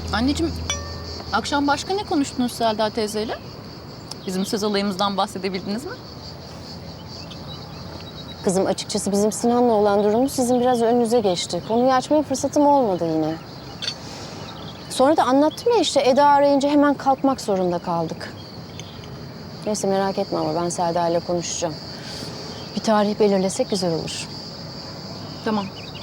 Anneciğim, akşam başka ne konuştunuz Selda teyzeyle? Bizim söz olayımızdan bahsedebildiniz mi? Kızım açıkçası bizim Sinan'la olan durumu sizin biraz önünüze geçti. Konuyu açmaya fırsatım olmadı yine. Sonra da anlattım ya işte Eda arayınca hemen kalkmak zorunda kaldık. Neyse merak etme ama ben Selda ile konuşacağım. Bir tarih belirlesek güzel olur. Tamam.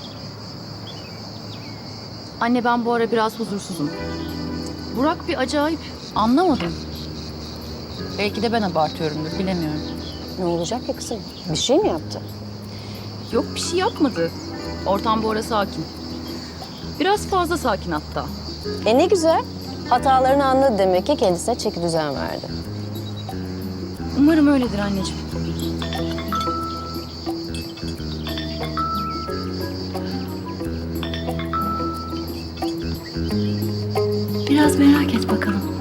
Anne ben bu ara biraz huzursuzum. Burak bir acayip. Anlamadım. Belki de ben abartıyorumdur, bilemiyorum. Ne olacak ya kızım? Bir şey mi yaptı? Yok bir şey yapmadı. Ortam bu ara sakin. Biraz fazla sakin hatta. Ne güzel. Hatalarını anladı demek ki kendisine çeki düzen verdi. Umarım öyledir anneciğim. Biraz merak et bakalım.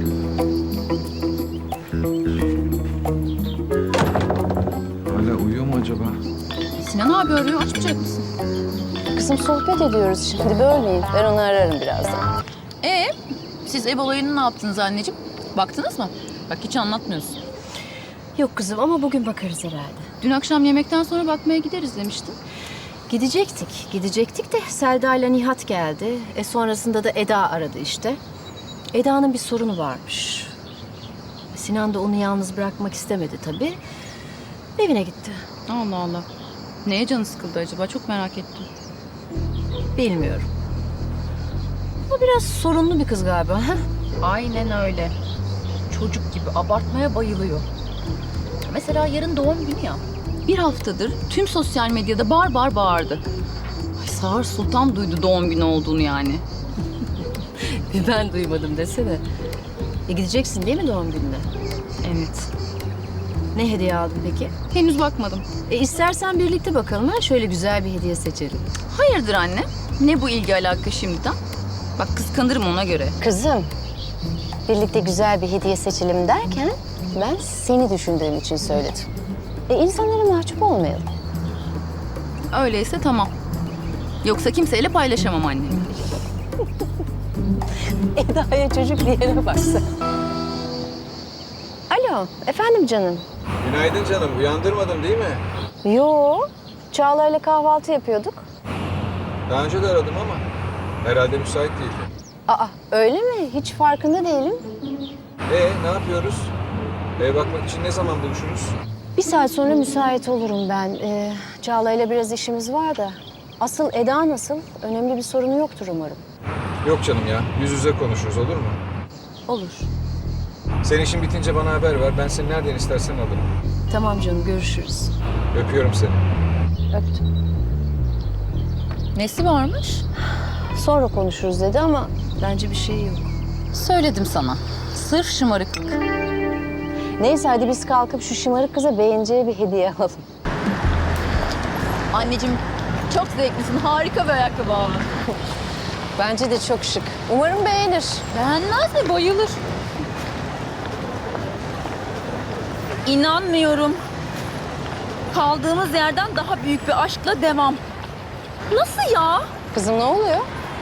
Hala uyuyor mu acaba? Sinan abi arıyor, açmayacak mısın? Kızım sohbet ediyoruz şimdi bölmeyin. Ben onu ararım birazdan. Siz ev olayını ne yaptınız anneciğim? Baktınız mı? Bak hiç anlatmıyorsun. Yok kızım ama bugün bakarız herhalde. Dün akşam yemekten sonra bakmaya gideriz demiştin. Gidecektik de Selda ile Nihat geldi. Sonrasında da Eda aradı işte. Eda'nın bir sorunu varmış. Sinan da onu yalnız bırakmak istemedi tabii. Evine gitti. Allah Allah. Neye canı sıkıldı acaba? Çok merak ettim. Bilmiyorum. O biraz sorunlu bir kız galiba. Ha? Aynen öyle. Çocuk gibi abartmaya bayılıyor. Mesela yarın doğum günü ya. Bir haftadır tüm sosyal medyada bağırdı. Ay Sağır Sultan duydu doğum günü olduğunu yani. Ben duymadım desene. Gideceksin değil mi doğum gününe? Evet. Ne hediye aldın peki? Henüz bakmadım. İstersen birlikte bakalım ha. Şöyle güzel bir hediye seçelim. Hayırdır anne? Ne bu ilgi alaka şimdiden? Bak kıskanırım ona göre. Kızım, birlikte güzel bir hediye seçelim derken ben seni düşündüğüm için söyledim. İnsanlara mahcup olmayalım. Öyleyse tamam. Yoksa kimseyle paylaşamam anne. Eda'ya çocuk diyene bak sen. Alo, efendim canım. Günaydın canım. Uyandırmadım değil mi? Yo, Çağla'yla kahvaltı yapıyorduk. Daha önce de aradım ama herhalde müsait değildi. Aa, öyle mi? Hiç farkında değilim. Ne yapıyoruz? Eve bakmak için ne zaman buluşuruz? Bir saat sonra müsait olurum ben. Çağla'yla biraz işimiz var da. Asıl Eda nasıl? Önemli bir sorunu yoktur umarım. Yok canım ya. Yüz yüze konuşuruz olur mu? Olur. Senin işin bitince bana haber ver. Ben seni nereden istersen alırım. Tamam canım, görüşürüz. Öpüyorum seni. Öptüm. Nesi varmış? Sonra konuşuruz dedi ama bence bir şey yok. Söyledim sana. Sırf şımarıklık. Neyse hadi biz kalkıp şu şımarık kıza beğeneceği bir hediye alalım. Anneciğim çok zevklisin. Harika bir ayakkabı ama. Bence de çok şık. Umarım beğenir. Beğenmez mi? Bayılır. İnanmıyorum. Kaldığımız yerden daha büyük bir aşkla devam. Nasıl ya? Kızım ne oluyor?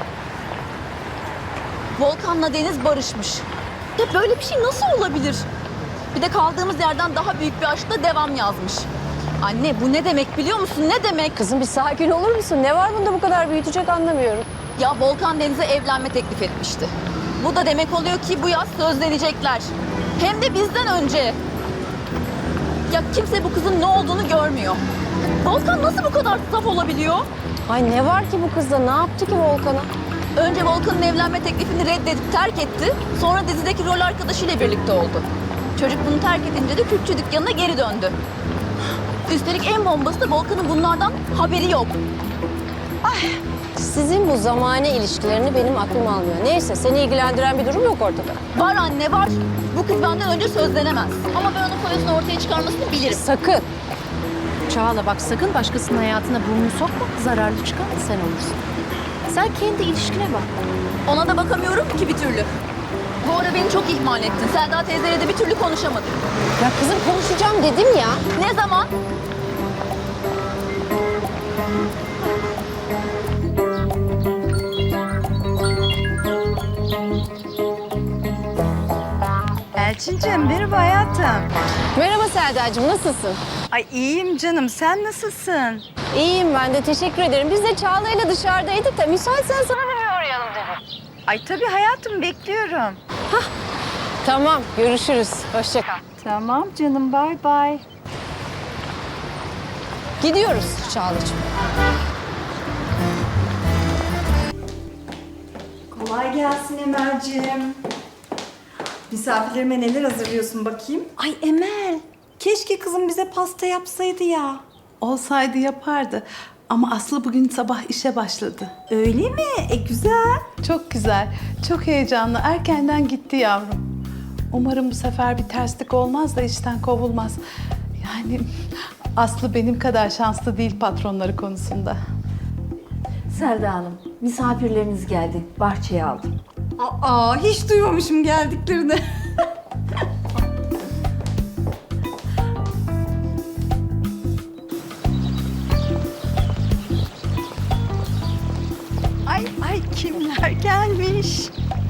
Volkan'la Deniz barışmış. Ya böyle bir şey nasıl olabilir? Bir de kaldığımız yerden daha büyük bir aşkla devam yazmış. Anne bu ne demek biliyor musun? Ne demek? Kızım bir sakin olur musun? Ne var bunda bu kadar büyütecek anlamıyorum. Ya Volkan Deniz'e evlenme teklif etmişti. Bu da demek oluyor ki bu yaz sözlenecekler. Hem de bizden önce. Ya kimse bu kızın ne olduğunu görmüyor. Volkan nasıl bu kadar saf olabiliyor? Ay ne var ki bu kızda? Ne yaptı ki Volkan'a? Önce Volkan'ın evlenme teklifini reddedip terk etti. Sonra dizideki rol arkadaşıyla birlikte oldu. Çocuk bunu terk edince de Kürtçü dükkanına geri döndü. Üstelik en bombası da Volkan'ın bunlardan haberi yok. Sizin bu zamane ilişkilerini benim aklım almıyor. Neyse seni ilgilendiren bir durum yok ortada. Var anne var. Bu kız benden önce sözlenemez. Ama ben onun foyasını ortaya çıkarmasını bilirim. Sakın. Çağla bak sakın başkasının hayatına burnunu sokma. Zararlı çıkan da sen olursun. Sen kendi ilişkine bak. Ona da bakamıyorum ki bir türlü. Bu ara beni çok ihmal ettin. Selda teyzeyle de bir türlü konuşamadık. Ya kızım konuşacağım dedim ya. Ne zaman? Elçincim, merhaba hayatım. Merhaba Selda'cığım, nasılsın? Ay iyiyim canım, sen nasılsın? İyiyim ben de, teşekkür ederim. Biz de Çağla'yla dışarıdaydık da müsaitsen sana bir uğrayalım dedim. Ay tabii hayatım, bekliyorum. Tamam, görüşürüz. Hoşça kal. Tamam canım, bay bay. Gidiyoruz Çağla'cığım. Kolay gelsin Emel'ciğim. Misafirlerime neler hazırlıyorsun bakayım? Ay Emel, keşke kızım bize pasta yapsaydı ya. Olsaydı yapardı. Ama Aslı bugün sabah işe başladı. Öyle mi? Güzel. Çok güzel, çok heyecanlı. Erkenden gitti yavrum. Umarım bu sefer bir terslik olmaz da işten kovulmaz. Yani Aslı benim kadar şanslı değil patronları konusunda. Selda Hanım, misafirleriniz geldi. Bahçeye aldım. Aa, hiç duymamışım geldiklerini. Ay kimler gelmiş?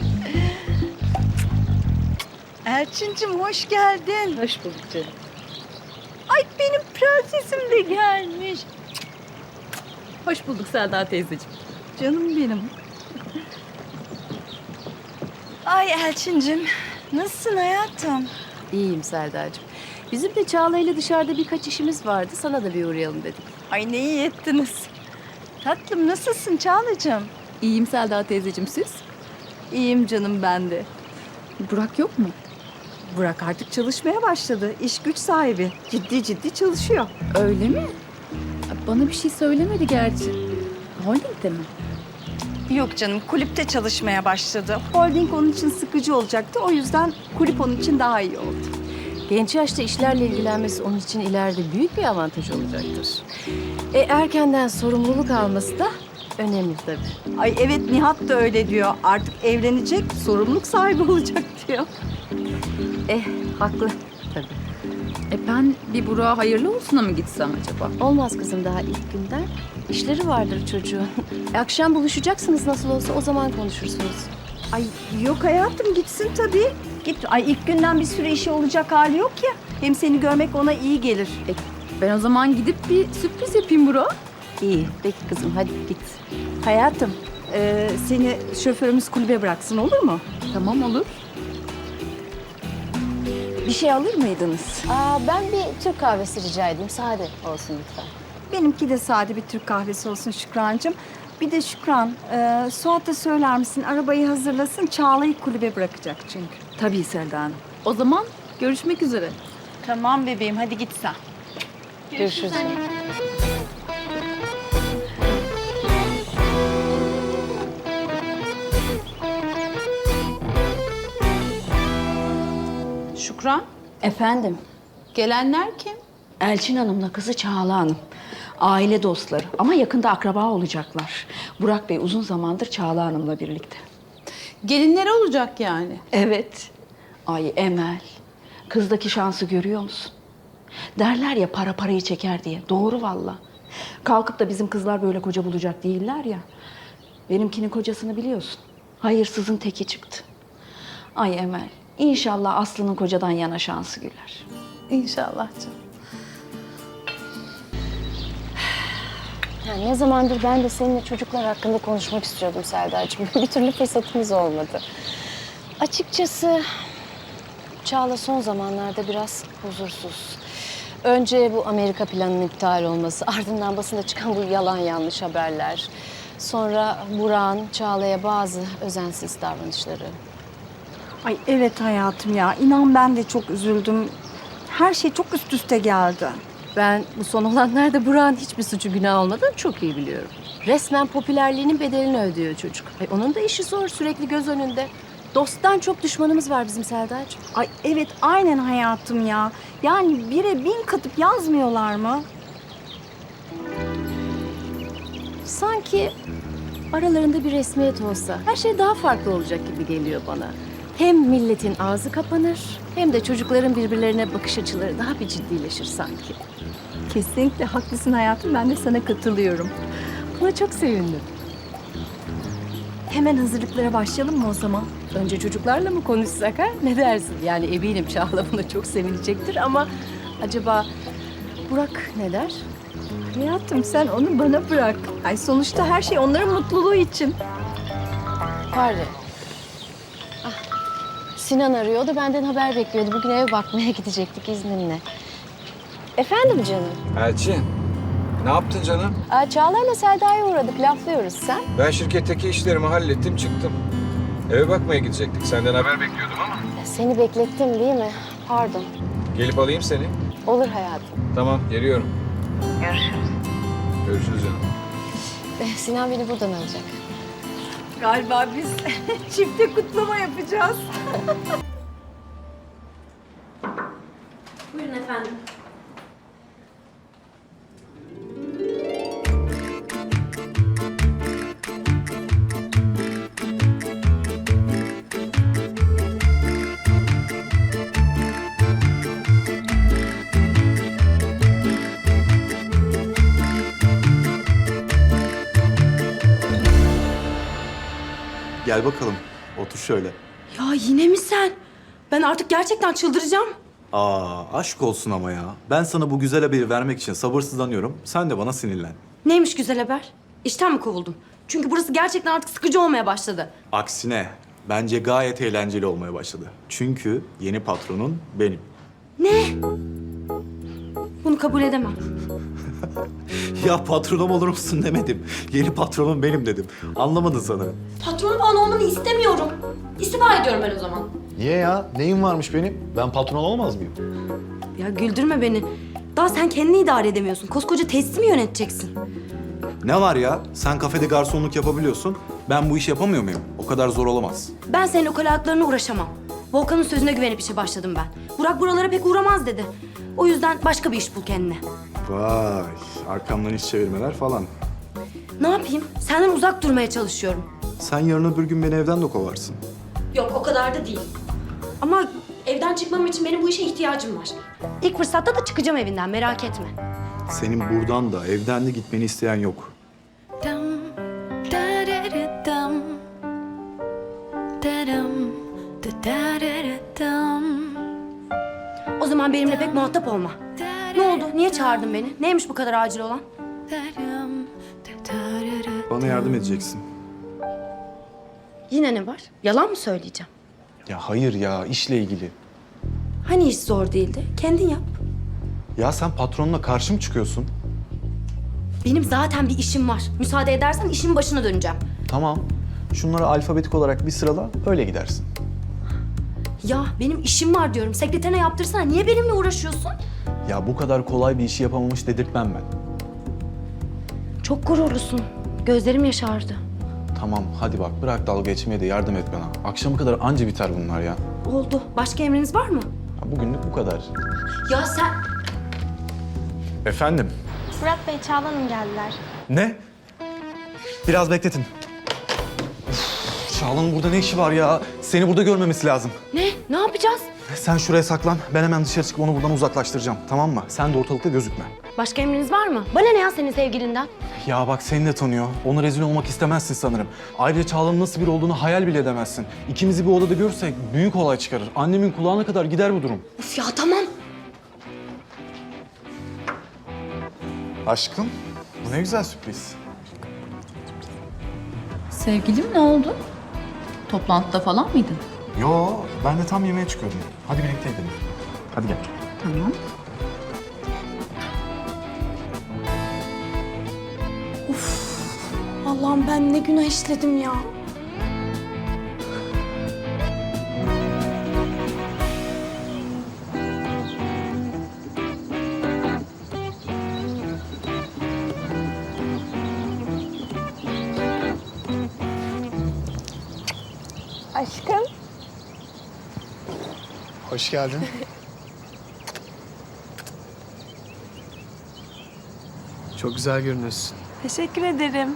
Elçincim hoş geldin. Hoş bulduk canım. Ay benim prensesim de gelmiş. Hoş bulduk Selda teyzeciğim. Canım benim. Ay Elçincim, nasılsın hayatım? İyiyim Selda'cığım. Bizim de Çağla'yla dışarıda birkaç işimiz vardı. Sana da bir uğrayalım dedik. Ay ne iyi ettiniz. Tatlım nasılsın Çağlacığım? İyiyim Selda teyzeciğim, siz? İyiyim canım ben de. Burak yok mu? Burak artık çalışmaya başladı. İş güç sahibi. Ciddi ciddi çalışıyor. Öyle mi? Bana bir şey söylemedi gerçi. Holding'de mi? Yok canım, kulüpte çalışmaya başladı. Holding onun için sıkıcı olacaktı. O yüzden kulüp onun için daha iyi oldu. Genç yaşta işlerle ilgilenmesi onun için ileride büyük bir avantaj olacaktır. Erkenden sorumluluk alması da önemli tabii. Ay evet, Nihat da öyle diyor. Artık evlenecek, sorumluluk sahibi olacak diyor. Haklı tabii. Ben bir Burak'a hayırlı olsuna mı gitsem acaba? Olmaz kızım daha ilk günden. İşleri vardır çocuğun. Akşam buluşacaksınız nasıl olsa, o zaman konuşursunuz. Ay yok hayatım, gitsin tabii. Git. Ay ilk günden bir sürü işi olacak hali yok ya. Hem seni görmek ona iyi gelir. Ben o zaman gidip bir sürpriz yapayım Burak'a. İyi. Peki kızım hadi git. Hayatım, seni şoförümüz kulübe bıraksın, olur mu? Tamam, olur. Bir şey alır mıydınız? Ben bir Türk kahvesi rica edeyim. Sade olsun lütfen. Benimki de sade bir Türk kahvesi olsun Şükrancığım. Bir de Şükran, Suat'a söyler misin? Arabayı hazırlasın, Çağla'yı kulübe bırakacak çünkü. Tabii Selda Hanım. O zaman görüşmek üzere. Tamam bebeğim, hadi git sen. Görüşürüz. Şükran, Efendim, gelenler kim? Elçin Hanım'la kızı Çağla Hanım. Aile dostları ama yakında akraba olacaklar. Burak Bey uzun zamandır Çağla Hanım'la birlikte. Gelinleri olacak yani. Evet. Ay Emel, kızdaki şansı görüyor musun? Derler ya para parayı çeker diye. Doğru valla. Kalkıp da bizim kızlar böyle koca bulacak değiller ya. Benimkinin kocasını biliyorsun. Hayırsızın teki çıktı. Ay Emel, inşallah Aslı'nın kocadan yana şansı güler. İnşallah canım. Ne zamandır ben de seninle çocuklar hakkında konuşmak istiyordum Selda'cığım. Bir türlü fırsatımız olmadı. Açıkçası Çağla son zamanlarda biraz huzursuz. Önce bu Amerika planının iptal olması, ardından basında çıkan bu yalan yanlış haberler. Sonra Burak'ın Çağla'ya bazı özensiz davranışları. Ay evet hayatım ya, inan ben de çok üzüldüm. Her şey çok üst üste geldi. Ben bu son olanlarda Burak'ın hiçbir suçu günah olmadığını çok iyi biliyorum. Resmen popülerliğinin bedelini ödüyor çocuk. Onun da işi zor, sürekli göz önünde. Dosttan çok düşmanımız var bizim Selda'cığım. Ay evet, aynen hayatım ya. Yani 1'e 1000 katıp yazmıyorlar mı? Sanki aralarında bir resmiyet olsa her şey daha farklı olacak gibi geliyor bana. Hem milletin ağzı kapanır hem de çocukların birbirlerine bakış açıları daha bir ciddileşir sanki. Kesinlikle haklısın hayatım, ben de sana katılıyorum. Buna çok sevindim. Hemen hazırlıklara başlayalım mı o zaman? Önce çocuklarla mı konuşsak ha? Ne dersin? Yani eminim Çağla buna çok sevinecektir ama acaba Burak ne der? Hayatım sen onu bana bırak. Ay sonuçta her şey onların mutluluğu için. Pardon. Ah, Sinan arıyordu, benden haber bekliyordu. Bugün eve bakmaya gidecektik izninle. Efendim canım? Elçin, ne yaptın canım? Çağlar'la Selda'ya uğradık, laflıyoruz. Sen? Ben şirketteki işlerimi hallettim, çıktım. Eve bakmaya gidecektik. Senden haber bekliyordum ama. Seni beklettim değil mi? Pardon. Gelip alayım seni. Olur hayatım. Tamam, geliyorum. Görüşürüz canım. Sinan beni buradan alacak. Galiba biz çifte kutlama yapacağız. Buyurun efendim. Gel bakalım. Otur şöyle. Ya yine mi sen? Ben artık gerçekten çıldıracağım. Aşk olsun ama ya. Ben sana bu güzel haberi vermek için sabırsızlanıyorum. Sen de bana sinirlen. Neymiş güzel haber? İşten mi kovuldum? Çünkü burası gerçekten artık sıkıcı olmaya başladı. Aksine bence gayet eğlenceli olmaya başladı. Çünkü yeni patronun benim. Ne? Bunu kabul edemem. Ya patronum olur musun demedim. Yeni patronum benim dedim. Anlamadın sanırım. Patron falan olmanı istemiyorum. İstifa ediyorum ben o zaman. Niye ya? Neyim varmış benim? Ben patron olamaz mıyım? Ya güldürme beni. Daha sen kendini idare edemiyorsun. Koskoca tesisi mi yöneteceksin? Ne var ya? Sen kafede garsonluk yapabiliyorsun. Ben bu işi yapamıyor muyum? O kadar zor olamaz. Ben senin ukalalıklarına uğraşamam. Volkan'ın sözüne güvenip işe başladım ben. Burak buralara pek uğramaz dedi. O yüzden başka bir iş bul kendine. Vay, arkamdan iş çevirmeler falan. Ne yapayım? Senden uzak durmaya çalışıyorum. Sen yarın öbür gün beni evden de kovarsın. Yok o kadar da değil. Ama evden çıkmam için benim bu işe ihtiyacım var. İlk fırsatta da çıkacağım evinden merak etme. Senin buradan da evden de gitmeni isteyen yok. O zaman benimle pek muhatap olma. Ne oldu? Niye çağırdın beni? Neymiş bu kadar acil olan? Bana yardım edeceksin. Yine ne var? Yalan mı söyleyeceğim? Ya hayır ya, işle ilgili. Hani iş zor değildi? Kendin yap. Ya sen patronla karşı mı çıkıyorsun? Benim zaten bir işim var. Müsaade edersen işin başına döneceğim. Tamam. Şunları alfabetik olarak bir sırala, öyle gidersin. Ya benim işim var diyorum. Sekreterine yaptırsana. Niye benimle uğraşıyorsun? Ya bu kadar kolay bir işi yapamamış dedirtmem ben. Çok gururlusun. Gözlerim yaşardı. Tamam, hadi bak bırak dalga geçmeye de yardım et bana. Akşama kadar anca biter bunlar ya. Oldu. Başka emriniz var mı? Ya bugünlük bu kadar. Ya sen... Efendim? Burak Bey, Çağla Hanım geldiler. Ne? Biraz bekletin. Çağla'nın burada ne işi var ya? Seni burada görmemesi lazım. Ne? Ne yapacağız? Sen şuraya saklan. Ben hemen dışarı çıkıp onu buradan uzaklaştıracağım. Tamam mı? Sen de ortalıkta gözükme. Başka emriniz var mı? Bana ne ya senin sevgilinden? Ya bak seni de tanıyor. Ona rezil olmak istemezsin sanırım. Ayrıca Çağla'nın nasıl biri olduğunu hayal bile edemezsin. İkimizi bir odada görürsek büyük olay çıkarır. Annemin kulağına kadar gider bu durum. Üf ya tamam. Aşkım, bu ne güzel sürpriz. Sevgilim ne oldu? Toplantıda falan mıydın? Yo, ben de tam yemeğe çıkıyordum. Hadi birlikte gidelim. Hadi gel. Tamam. Allah'ım ben ne günah işledim ya. Aşkım. Hoş geldin. Çok güzel görünüyorsun. Teşekkür ederim.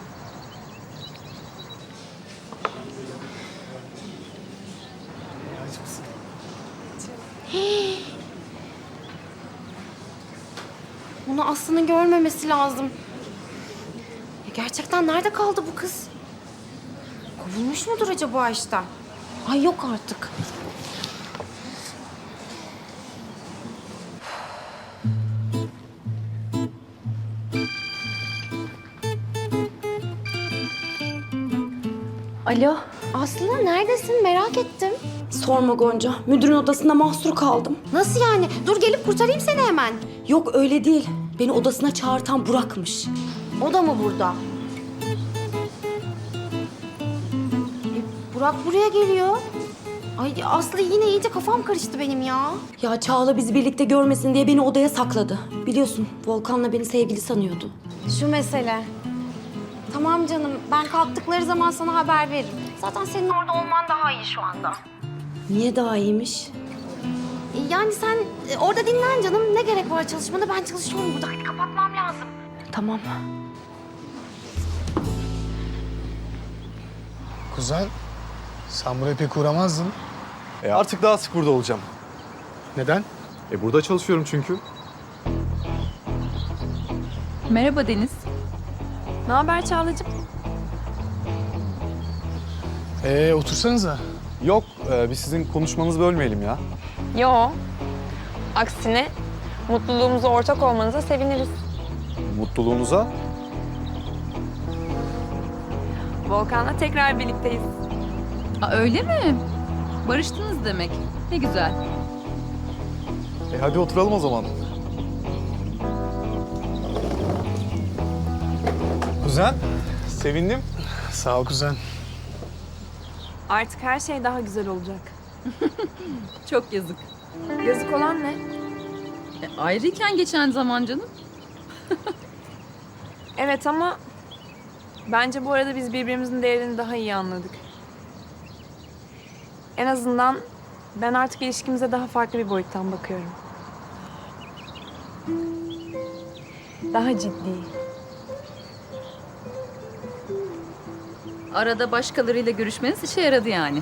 Bunu Aslı'nın görmemesi lazım. Ya gerçekten nerede kaldı bu kız? Bulmuş mudur acaba işte? Ay yok artık. Alo. Aslı neredesin? Merak ettim. Sorma Gonca. Müdürün odasında mahsur kaldım. Nasıl yani? Dur gelip kurtarayım seni hemen. Yok öyle değil. Beni odasına çağırtan Burak'mış. O da mı burada? Burak buraya geliyor. Ay Aslı yine iyice kafam karıştı benim ya. Ya Çağla bizi birlikte görmesin diye beni odaya sakladı. Biliyorsun Volkan'la beni sevgili sanıyordu. Şu mesele. Tamam canım, ben kalktıkları zaman sana haber veririm. Zaten senin orada olman daha iyi şu anda. Niye daha iyiymiş? Yani sen orada dinlen canım. Ne gerek var çalışmana? Ben çalışıyorum burada. Hadi kapatmam lazım. Tamam. Kuzen, sen buraya pek uğramazdın. Artık daha sık burada olacağım. Neden? Burada çalışıyorum çünkü. Merhaba Deniz. Ne haber Çağlacığım? Otursanıza. Yok, biz sizin konuşmanızı bölmeyelim ya. Yo. Aksine mutluluğumuza ortak olmanıza seviniriz. Mutluluğunuza. Volkan'la tekrar birlikteyiz. Öyle mi? Barıştınız demek. Ne güzel. Hadi oturalım o zaman. Kuzen, sevindim. Sağ ol kuzen. Artık her şey daha güzel olacak. Çok yazık. Yazık olan ne? Ayrıyken geçen zaman canım. Evet ama bence bu arada biz birbirimizin değerini daha iyi anladık. En azından ben artık ilişkimize daha farklı bir boyuttan bakıyorum. Daha ciddi. Arada başkalarıyla görüşmeniz işe yaradı yani.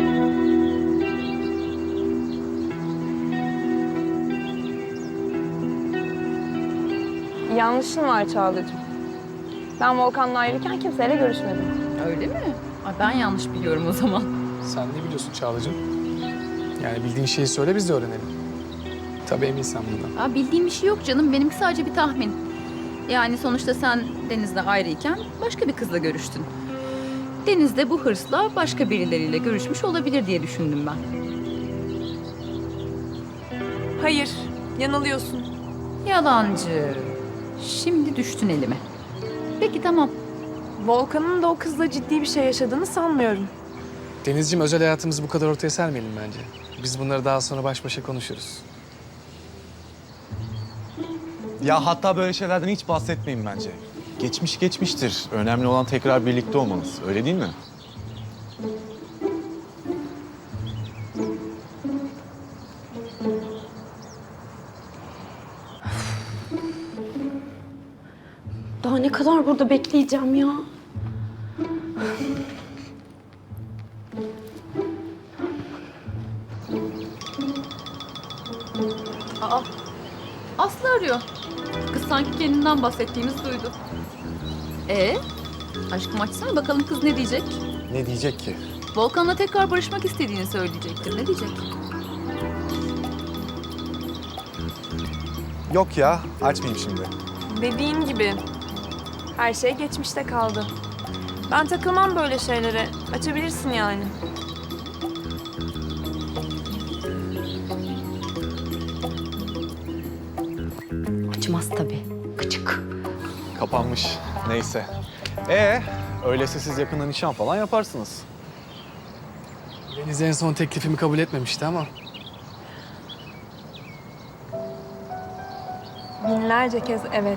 Yanlışın var Çağla'cığım. Ben Volkan'la ayrıyken kimseyle görüşmedim. Öyle mi? Ay ben yanlış biliyorum o zaman. Sen ne biliyorsun Çağla'cığım? Yani bildiğin şeyi söyle biz de öğrenelim. Tabii eminsen bundan. Bildiğim bir şey yok canım. Benimki sadece bir tahmin. Yani sonuçta sen Deniz'le ayrıyken başka bir kızla görüştün. Deniz de bu hırsla başka birileriyle görüşmüş olabilir diye düşündüm ben. Hayır, yanılıyorsun. Yalancı. Şimdi düştün elime. Peki tamam. Volkan'ın da o kızla ciddi bir şey yaşadığını sanmıyorum. Denizciğim, özel hayatımızı bu kadar ortaya sermeyelim bence. Biz bunları daha sonra baş başa konuşuruz. Ya hatta böyle şeylerden hiç bahsetmeyin bence. Geçmiş geçmiştir. Önemli olan tekrar birlikte olmanız. Öyle değil mi? Daha ne kadar burada bekleyeceğim ya? Aslı arıyor. Kız sanki kendinden bahsettiğimizi duydu. Aşkım açsana bakalım kız ne diyecek? Ne diyecek ki? Volkan'la tekrar barışmak istediğini söyleyecektir. Ne diyecek? Yok ya, açmayayım şimdi. Dediğin gibi her şey geçmişte kaldı. Ben takılmam böyle şeylere. Açabilirsin yani. Açmaz tabii. Gıcık. Kapanmış. Neyse. Öyleyse siz yakında nişan falan yaparsınız. Deniz en son teklifimi kabul etmemişti ama. Binlerce kez evet.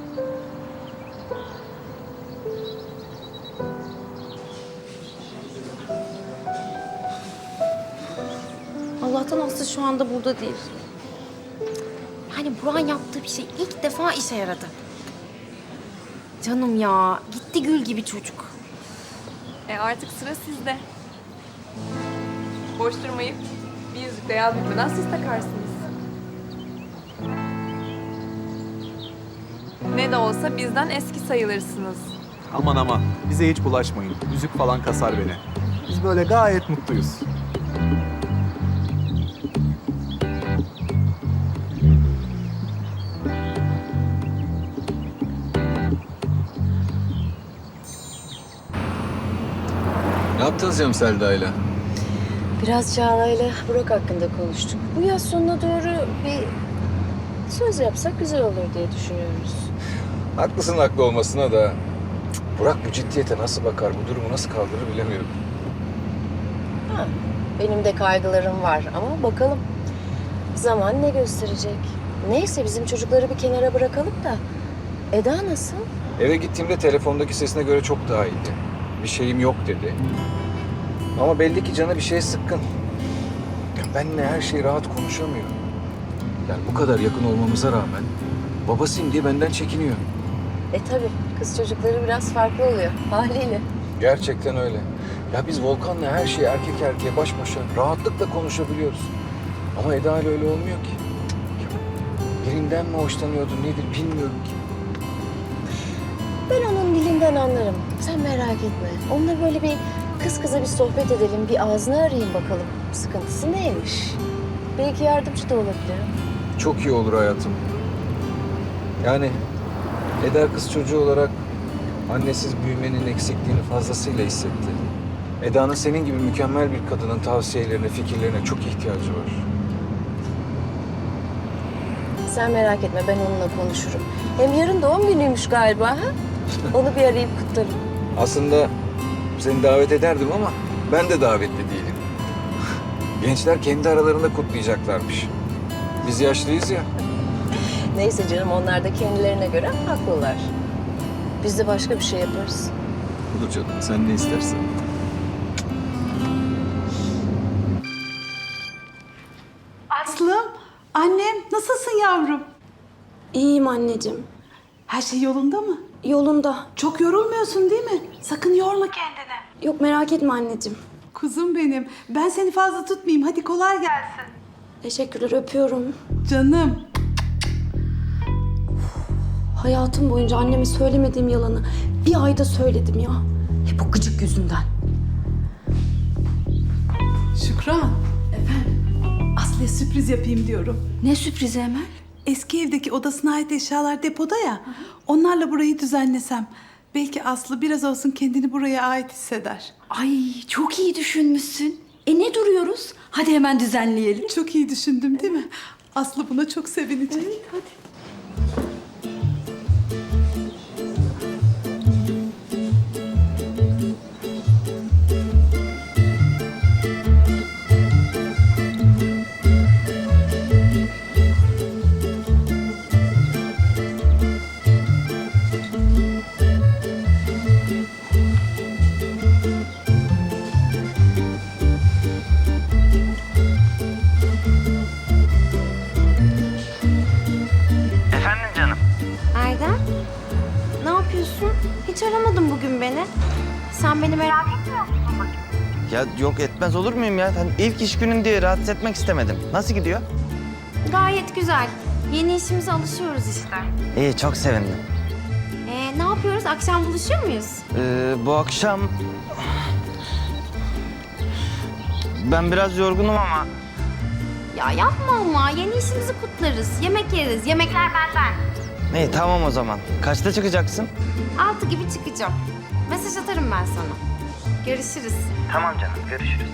Allah'tan Aslı şu anda burada değil. Yani Burak'ın yaptığı bir şey ilk defa işe yaradı. Canım ya, gitti gül gibi çocuk. Artık sıra sizde. Boş durmayıp bir yüzük de yaz bitmeden siz takarsınız. Ne de olsa bizden eski sayılırsınız. Aman aman, bize hiç bulaşmayın. Müzik falan kasar beni. Biz böyle gayet mutluyuz. Ne yaptınız canım Selda'yla? Biraz Çağla'yla Burak hakkında konuştuk. Bu yaz sonuna doğru bir söz yapsak güzel olur diye düşünüyoruz. Haklısın haklı olmasına da... Burak bu ciddiyete nasıl bakar, bu durumu nasıl kaldırır bilemiyorum. Ha, benim de kaygılarım var ama bakalım. Zaman ne gösterecek? Neyse bizim çocukları bir kenara bırakalım da. Eda nasıl? Eve gittiğimde telefondaki sesine göre çok daha iyiydi. Bir şeyim yok dedi. Ama belli ki canı bir şeye sıkkın. Ya benimle her şeyi rahat konuşamıyor. Yani bu kadar yakın olmamıza rağmen babasıyım diye benden çekiniyor. Tabii kız çocukları biraz farklı oluyor haliyle. Gerçekten öyle. Ya biz Volkan'la her şeyi erkek erkeğe baş başa rahatlıkla konuşabiliyoruz. Ama Eda ile öyle olmuyor ki. Birinden mi hoşlanıyordu nedir bilmiyorum ki. Ben onun dilinden anlarım. Sen merak etme. Onunla böyle bir kız kıza bir sohbet edelim. Bir ağzını arayayım bakalım. Sıkıntısı neymiş? Belki yardımcı da olabilirim. Çok iyi olur hayatım. Yani Eda kız çocuğu olarak annesiz büyümenin eksikliğini fazlasıyla hissetti. Eda'nın senin gibi mükemmel bir kadının tavsiyelerine, fikirlerine çok ihtiyacı var. Sen merak etme ben onunla konuşurum. Hem yarın doğum günüymüş galiba ha? Onu bir arayıp kutlarım. Aslında seni davet ederdim ama ben de davetli değilim. Gençler kendi aralarında kutlayacaklarmış. Biz yaşlıyız ya. Neyse canım onlar da kendilerine göre haklılar. Biz de başka bir şey yaparız. Olur canım sen ne istersen. Aslım, annem nasılsın yavrum? İyiyim anneciğim. Her şey yolunda mı? Yolunda. Çok yorulmuyorsun değil mi? Sakın yorma kendini. Yok merak etme anneciğim. Kuzum benim. Ben seni fazla tutmayayım. Hadi kolay gelsin. Teşekkürler öpüyorum. Canım. Hayatım boyunca anneme söylemediğim yalanı bir ayda söyledim ya. Hep o gıcık yüzünden. Şükran. Efendim? Aslı'ya sürpriz yapayım diyorum. Ne sürprizi Emel? Eski evdeki odasına ait eşyalar depoda ya. Onlarla burayı düzenlesem. Belki Aslı biraz olsun kendini buraya ait hisseder. Ay çok iyi düşünmüşsün. Ne duruyoruz? Hadi hemen düzenleyelim. Çok iyi düşündüm değil mi? Aslı buna çok sevinecek. Hadi. Efendim canım? Erdem, ne yapıyorsun? Hiç aramadın bugün beni. Sen beni merak etmiyor musun bakayım? Ya yok etmez olur muyum ya? Hani ilk iş günüm diye rahatsız etmek istemedim. Nasıl gidiyor? Gayet güzel. Yeni işimize alışıyoruz işte. İyi çok sevindim. Ne yapıyoruz? Akşam buluşuyor muyuz? Bu akşam... Ben biraz yorgunum ama... Ya yapma ama. Yeni işimizi kutlarız. Yemek yeriz. Yemekler benden. İyi tamam o zaman. Kaçta çıkacaksın? 6 gibi çıkacağım. Mesaj atarım ben sana. Görüşürüz. Tamam canım görüşürüz.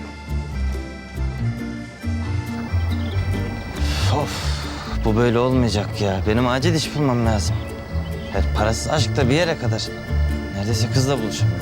Of bu böyle olmayacak ya. Benim acil iş bulmam lazım. Evet, parasız aşk da bir yere kadar. Neredeyse kızla buluşamıyorum.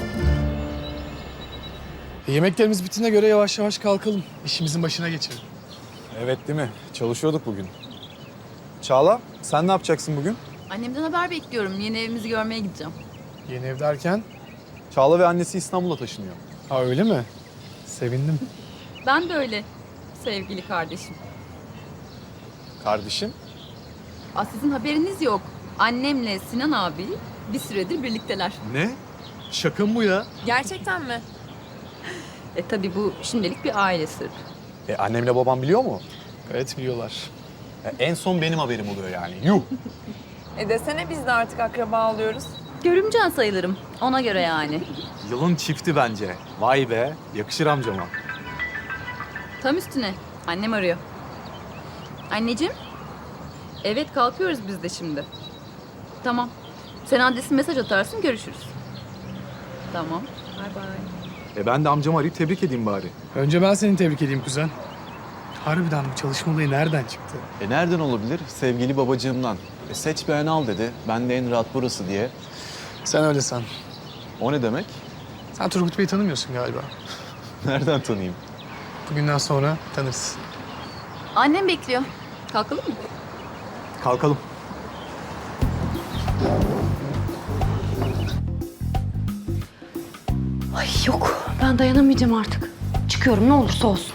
Yemeklerimiz bittiğine göre yavaş yavaş kalkalım. İşimizin başına geçelim. Evet değil mi? Çalışıyorduk bugün. Çağla, sen ne yapacaksın bugün? Annemden haber bekliyorum. Yeni evimizi görmeye gideceğim. Yeni ev derken? Çağla ve annesi İstanbul'a taşınıyor. Ha öyle mi? Sevindim. Ben de öyle sevgili kardeşim. Kardeşim? Sizin haberiniz yok. Annemle Sinan abi bir süredir birlikteler. Ne? Şaka mı bu ya? Gerçekten mi? Tabii bu şimdilik bir aile sırrı. Annemle babam biliyor mu? Gayet biliyorlar. En son benim haberim oluyor yani. Yuh! Desene biz de artık akraba oluyoruz. Görümcen sayılırım. Ona göre yani. Yılın çifti bence. Vay be, yakışır amcama. Tam üstüne. Annem arıyor. Anneciğim. Evet kalkıyoruz biz de şimdi. Tamam. Sen adresin mesaj atarsın görüşürüz. Tamam. Bay bay. Ben de amcamı arayıp tebrik edeyim bari. Önce ben seni tebrik edeyim kuzen. Harbiden bu çalışma olayı nereden çıktı? Nereden olabilir? Sevgili babacığımdan. Seç beğen al dedi. Ben de en rahat burası diye. Sen öyle san. O ne demek? Sen Turgut Bey'i tanımıyorsun galiba. Nereden tanıyayım? Bugünden sonra tanırsın. Annem bekliyor. Kalkalım mı? Kalkalım. Ay yok, ben dayanamayacağım artık. Çıkıyorum ne olursa olsun.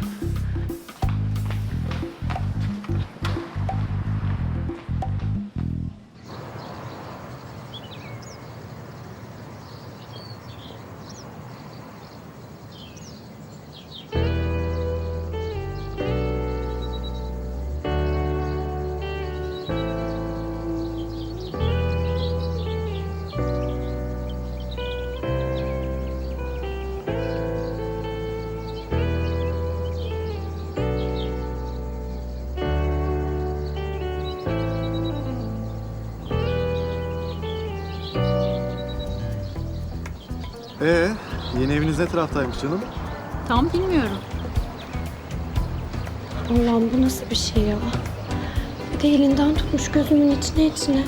Yeni eviniz ne taraftaymış canım? Tam bilmiyorum. Allah'ım bu nasıl bir şey ya? Bir de elinden tutmuş gözümün içine.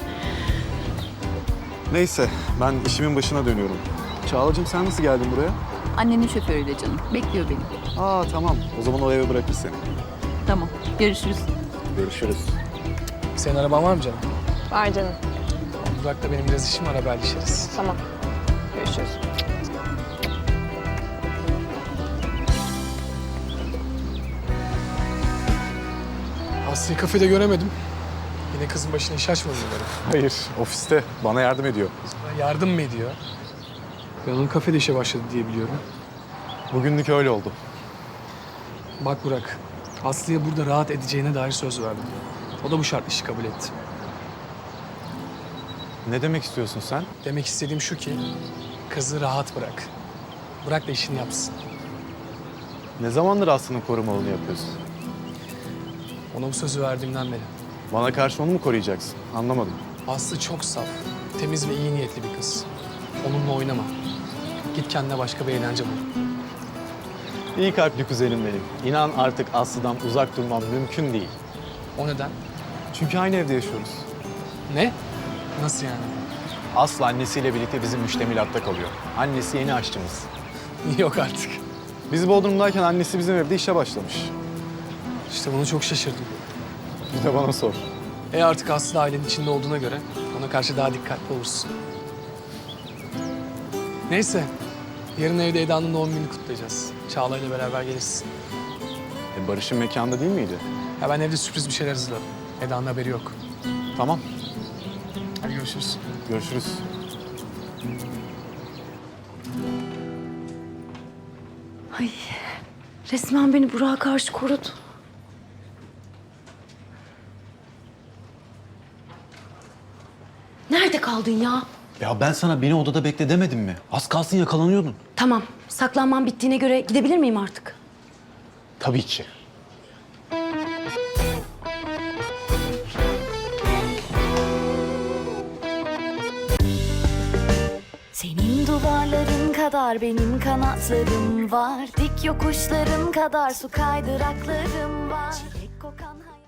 Neyse, ben işimin başına dönüyorum. Çağla'cığım sen nasıl geldin buraya? Annenin şoförüyle canım. Bekliyor beni. Aa tamam, o zaman o eve bırakır seni. Tamam. Görüşürüz. Görüşürüz. Senin araban var mı canım? Var canım. Burak'la benim biraz işim var, haberleşiriz. Tamam. Görüşürüz. Aslı'yı kafede göremedim. Yine kızın başına iş açmadı umarım. Hayır, ofiste. Bana yardım ediyor. Bana yardım mı ediyor? Ben onun kafede işe başladı diye biliyorum. Bugünlük öyle oldu. Bak Burak, Aslı'ya burada rahat edeceğine dair söz verdim. O da bu şartlı işi kabul etti. Ne demek istiyorsun sen? Demek istediğim şu ki, kızı rahat bırak. Bırak da işini yapsın. Ne zamandır Aslı'nın korumalını yapıyorsun? Ona bu sözü verdiğimden beri. Bana karşı onu mu koruyacaksın? Anlamadım. Aslı çok saf, temiz ve iyi niyetli bir kız. Onunla oynama. Git kendine başka bir eğlence bul. İyi kalpli kuzenim benim. İnan artık Aslı'dan uzak durmam mümkün değil. O neden? Çünkü aynı evde yaşıyoruz. Ne? Nasıl yani? Aslı annesiyle birlikte bizim müştemilatta kalıyor. Annesi yeni aşçımız. Yok artık. Biz Bodrum'dayken annesi bizim evde işe başlamış. İşte bunu çok şaşırdım. Bir de bana sor. Artık Aslı da ailenin içinde olduğuna göre ona karşı daha dikkatli olursun. Neyse, yarın evde Eda'nın doğum gününü kutlayacağız. Çağla ile beraber gelirsin. Barış'ın mekanda değil miydi? Ya ben evde sürpriz bir şeyler hazırladım. Eda'nın haberi yok. Tamam. Hadi görüşürüz. Görüşürüz. Ay resmen beni Burak'a karşı korudu. Nerede kaldın ya? Ya ben sana beni odada bekle demedim mi? Az kalsın yakalanıyordun. Tamam, saklanmam bittiğine göre gidebilir miyim artık? Tabii ki. Senin duvarların kadar benim kanatlarım var. Dik yokuşların kadar su kaydıraklarım var. Çilek kokan